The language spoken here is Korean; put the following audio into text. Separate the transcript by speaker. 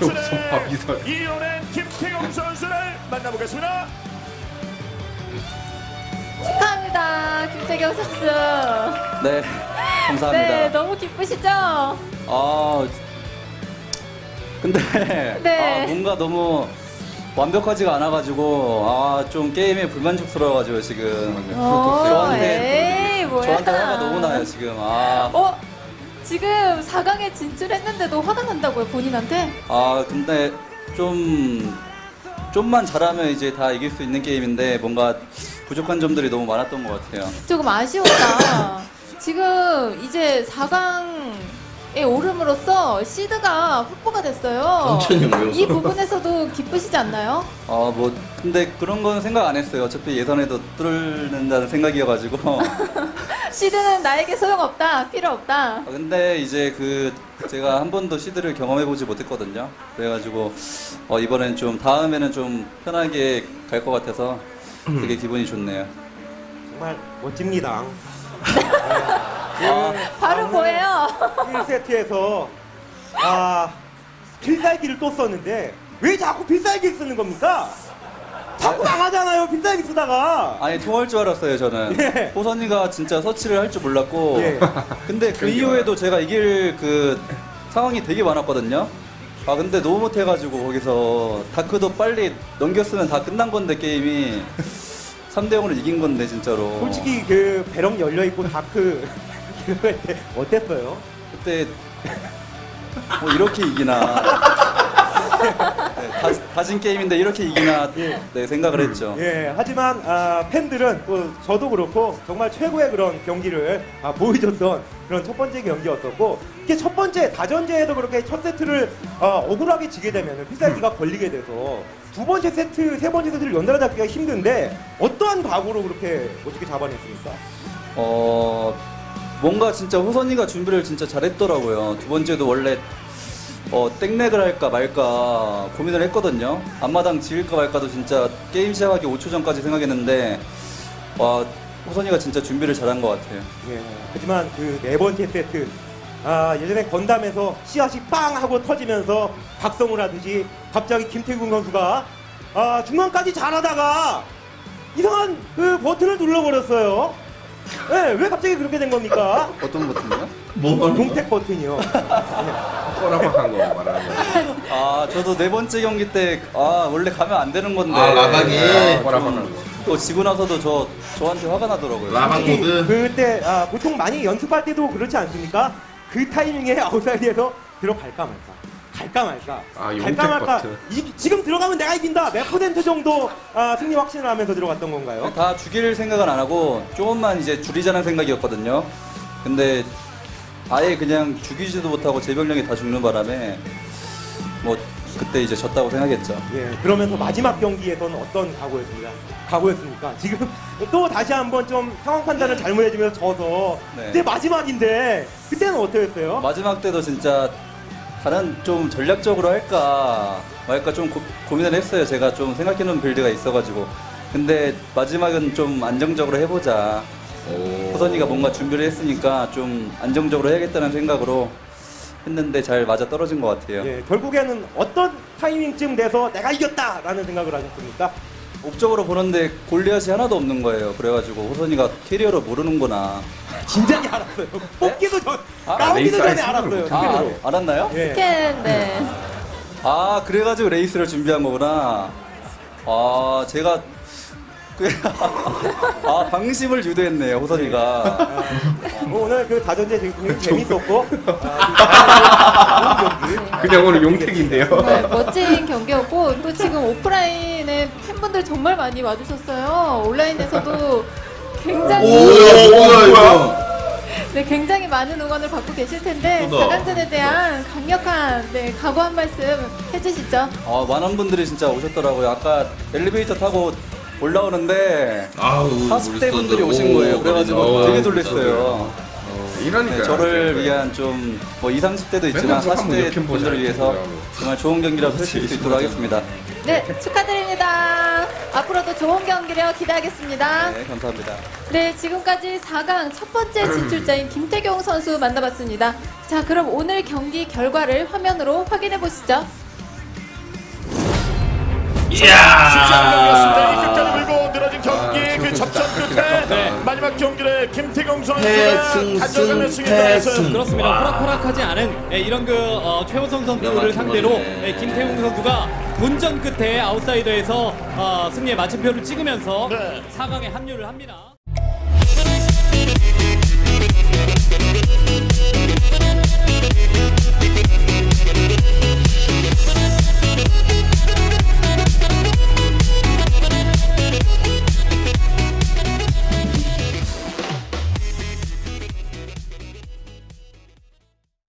Speaker 1: 진출의
Speaker 2: 미설.
Speaker 1: 이겨낸 김태경 선수를 만나보겠습니다.
Speaker 3: 축하합니다, 김태경 선수.
Speaker 4: 네, 감사합니다.
Speaker 3: 네, 너무 기쁘시죠?
Speaker 4: 근데
Speaker 3: 네.
Speaker 4: 뭔가 너무 완벽하지가 않아가지고 좀 게임에 불만족스러워가지고 지금
Speaker 3: 에이, 뭐야.
Speaker 4: 저한테 화가 너무 나요 지금.
Speaker 3: 지금 4강에 진출했는데도 화가 난다고요, 본인한테?
Speaker 4: 근데 좀만 잘하면 이제 다 이길 수 있는 게임인데 뭔가 부족한 점들이 너무 많았던 것 같아요.
Speaker 3: 조금 아쉬웠다. 지금 이제 4강에 오름으로써 시드가 확보가 됐어요. 이 부분에서도 기쁘시지 않나요?
Speaker 4: 근데 그런 건 생각 안 했어요. 어차피 예선에도 뚫는다는 생각이어가지고.
Speaker 3: 시드는 나에게 소용없다, 필요 없다.
Speaker 4: 근데 이제 제가 한 번도 시드를 경험해보지 못했거든요. 그래가지고 이번엔 다음에는 좀 편하게 갈 것 같아서 되게 기분이 좋네요.
Speaker 5: 정말 멋집니다.
Speaker 3: 바로 뭐예요?
Speaker 5: 1세트에서 필살기를 또 썼는데 왜 자꾸 필살기를 쓰는 겁니까? 자꾸 망하잖아요, 필살기 쓰다가.
Speaker 4: 아니, 통할 줄 알았어요, 저는.
Speaker 5: 예.
Speaker 4: 호선이가 진짜 서치를 할 줄 몰랐고.
Speaker 5: 예.
Speaker 4: 근데 그 이후에도 제가 이길 상황이 되게 많았거든요. 근데 너무 못해가지고 거기서 다크도 빨리 넘겼으면 다 끝난 건데, 게임이. 3대0으로 이긴 건데, 진짜로.
Speaker 5: 솔직히 배럭 열려있고 다크 그거 할 때 어땠어요?
Speaker 4: 그때 이렇게 이기나. 네, 다진 게임인데 이렇게 이기나 생각을 했죠.
Speaker 5: 하지만 팬들은 또 저도 그렇고 정말 최고의 그런 경기를 보여줬던 그런 첫 번째 경기였었고, 이게 첫 번째 다전제에도 그렇게 첫 세트를 억울하게 지게 되면 필살기가 걸리게 돼서 두 번째 세트, 세 번째 세트를 연달아 잡기가 힘든데 어떠한 각오로 그렇게 멋지게 잡아냈습니까?
Speaker 4: 뭔가 진짜 호선이가 준비를 진짜 잘했더라고요. 두 번째도 원래 땡렉을 할까 말까 고민을 했거든요. 앞마당 지을까 말까도 진짜 게임 시작하기 5초 전까지 생각했는데 호선이가 진짜 준비를 잘한 것 같아요.
Speaker 5: 하지만 네 번째 세트 예전에 건담에서 씨앗이 빵 하고 터지면서 각성을 하듯이 갑자기 김태균 선수가 중간까지 잘하다가 이상한 버튼을 눌러버렸어요. 왜 갑자기 그렇게 된 겁니까?
Speaker 4: 어떤 버튼이요?
Speaker 5: 동택 버튼이요.
Speaker 2: 꼬라박한 거 말하는 거.
Speaker 4: 저도 네 번째 경기 때 원래 가면 안 되는 건데.
Speaker 2: 라박이 꼬라박한 거.
Speaker 4: 또 지고 나서도 저한테 화가 나더라고요.
Speaker 2: 라박 모드.
Speaker 5: 그때 보통 많이 연습할 때도 그렇지 않습니까? 그 타이밍에 아웃사이드에서 들어갈까 말까. 갈까 말까. 갈까 말까. 지금 들어가면 내가 이긴다. 몇 퍼센트 정도 승리 확신을 하면서 들어갔던 건가요?
Speaker 4: 다 죽일 생각은 안 하고 조금만 이제 줄이자는 생각이었거든요. 근데 아예 그냥 죽이지도 못하고 제 병력이 다 죽는 바람에 그때 이제 졌다고 생각했죠.
Speaker 5: 그러면서 마지막 경기에서는 어떤 각오였습니까? 지금 또 다시 한번 좀 상황 판단을 잘못해주면서 져서 그때 마지막인데 그때는 어떠셨어요?
Speaker 4: 마지막 때도 진짜 다른 좀 전략적으로 할까 말까 좀 고민을 했어요. 제가 좀 생각해놓은 빌드가 있어가지고. 근데 마지막은 좀 안정적으로 해보자. 호선이가 뭔가 준비를 했으니까 좀 안정적으로 해야겠다는 생각으로 했는데 잘 맞아 떨어진 것 같아요.
Speaker 5: 결국에는 어떤 타이밍쯤 돼서 내가 이겼다라는 생각을 하셨습니까?
Speaker 4: 옵적으로 보는데 골리앗이 하나도 없는 거예요. 그래가지고 호선이가 캐리어를 모르는구나.
Speaker 5: 진작에 알았어요. 뽑기도 나오기도 전에 알았어요.
Speaker 4: 알았나요?
Speaker 3: 스캔, 네.
Speaker 4: 그래가지고 레이스를 준비한 거구나. 제가 방심을 유도했네요, 호선이가.
Speaker 5: 오늘 다전제 굉장히 재밌었고
Speaker 2: 그냥 오늘 용택인데요.
Speaker 3: 멋진 경기였고, 또 지금 오프라인에 팬분들 정말 많이 와주셨어요. 온라인에서도 굉장히 많은 응원을 받고 계실 텐데 4강전에 대한 강력한 각오 한 말씀 해주시죠.
Speaker 4: 많은 분들이 진짜 오셨더라고요. 아까 엘리베이터 타고 올라오는데 40대 분들이 오신 거예요. 그래가지고 되게 놀랐어요. 저를 위한 좀 20, 30대도 있지만 40대 분들을 위해서 정말 좋은 경기라고 펼칠 수 있도록 하겠습니다.
Speaker 3: 네, 축하드립니다. 앞으로도 좋은 경기력 기대하겠습니다.
Speaker 4: 네, 감사합니다.
Speaker 3: 네, 지금까지 4강 첫 번째 진출자인 김태경 선수 만나봤습니다. 자, 그럼 오늘 경기 결과를 화면으로 확인해 보시죠.
Speaker 1: 쉽지 않은 경기였습니다. 이 끝까지 물고 늘어진 경기 그 접전 끝에
Speaker 6: 네.
Speaker 1: 마지막 경기를 김태경 선수가 가져가며 승리했어요.
Speaker 6: 그렇습니다. 호락호락하지 않은 이런 최호선 선수를 상대로 김태웅 선수가 본전 끝에 아웃사이더에서 승리의 마침표를 찍으면서
Speaker 1: 네.
Speaker 6: 4강에 합류를 합니다.